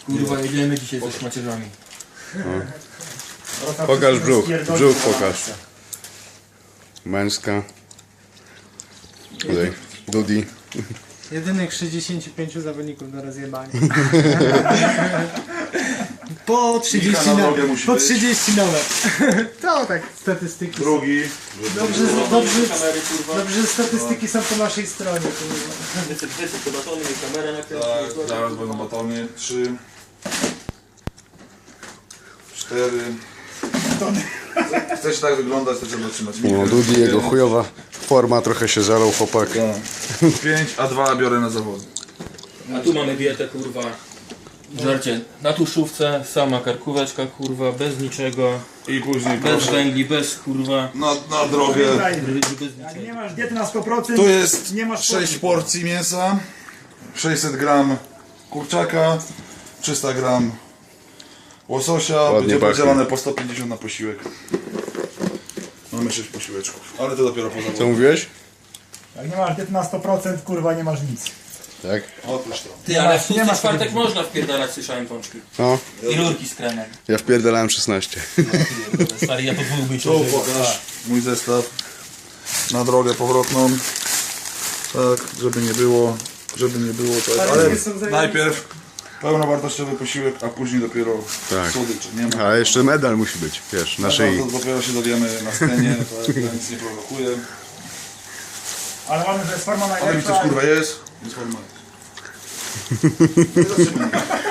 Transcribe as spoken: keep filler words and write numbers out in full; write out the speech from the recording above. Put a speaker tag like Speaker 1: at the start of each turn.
Speaker 1: Kurwa, jedziemy dzisiaj ze szmacierzami.
Speaker 2: No. Pokaż brzuch, brzuch pokaż. Męska. Tutaj, Dudi.
Speaker 3: Jedynych sześćdziesięciu pięciu zawodników do rozjebania. Po trzydzieści,
Speaker 4: na
Speaker 3: no,
Speaker 4: drogę musi
Speaker 3: po
Speaker 4: być.
Speaker 3: trzydzieści nowe. To tak, statystyki. są.
Speaker 4: Drugi.
Speaker 3: Dobrze, dobrze, dobrze, statystyki są po naszej stronie. kurwa.
Speaker 1: Wycyk, wycyk, to batony, kamera na
Speaker 4: Tak, zaraz będą batony. Trzy. Cztery. Chcesz tak wyglądać, to trzeba trzymać.
Speaker 2: No, Dudi, jego chujowa forma, trochę się zalał chłopak.
Speaker 4: Tak. Pięć, a dwa biorę na zawody.
Speaker 1: A tu mamy dietę, kurwa. Żarcie na tuszówce, sama karkóweczka, kurwa, bez niczego.
Speaker 4: I później
Speaker 1: Bez
Speaker 4: proszę
Speaker 1: węgli, bez kurwa.
Speaker 4: na, na drogę.
Speaker 1: Ryby bez
Speaker 5: Jak nie
Speaker 1: niczego.
Speaker 5: masz diety na sto procent,
Speaker 4: Tu jest
Speaker 5: nie masz
Speaker 4: sześć porcji mięsa, sześćset gram kurczaka, trzysta gram łososia,
Speaker 2: Ładnie
Speaker 4: będzie
Speaker 2: pachnie.
Speaker 4: podzielone po sto pięćdziesiąt na posiłek. Mamy sześć posiłeczków, ale to dopiero po
Speaker 2: Co
Speaker 4: zawodzie.
Speaker 2: mówiłeś?
Speaker 5: Jak nie masz diety na sto procent, kurwa, nie masz nic.
Speaker 2: Tak?
Speaker 4: Otóż to.
Speaker 1: Ty, ale w
Speaker 5: nie
Speaker 1: tłusty
Speaker 5: masz
Speaker 1: czwartek
Speaker 5: takiego-
Speaker 1: można wpierdalać, słyszałem pączki.
Speaker 2: No,
Speaker 1: I rurki z kremem.
Speaker 2: ja wpierdalałem szesnaście.
Speaker 1: Stary, ja to dwóch być
Speaker 4: Tu pokaż mój zestaw na drogę powrotną. Tak, żeby nie było, żeby nie było tak. Ale najpierw pełnowartościowy posiłek, a później dopiero
Speaker 2: Tak.
Speaker 4: słodycze. Nie ma.
Speaker 2: A jeszcze medal musi być, wiesz, na szyi.
Speaker 4: To dopiero się dowiemy na scenie, tak, ja nic nie prowokuję.
Speaker 5: Ale mamy, że jest forma
Speaker 4: Ale mi coś
Speaker 5: najlepsza.
Speaker 4: kurwa jest, jest forma. Nie zatrzymaj.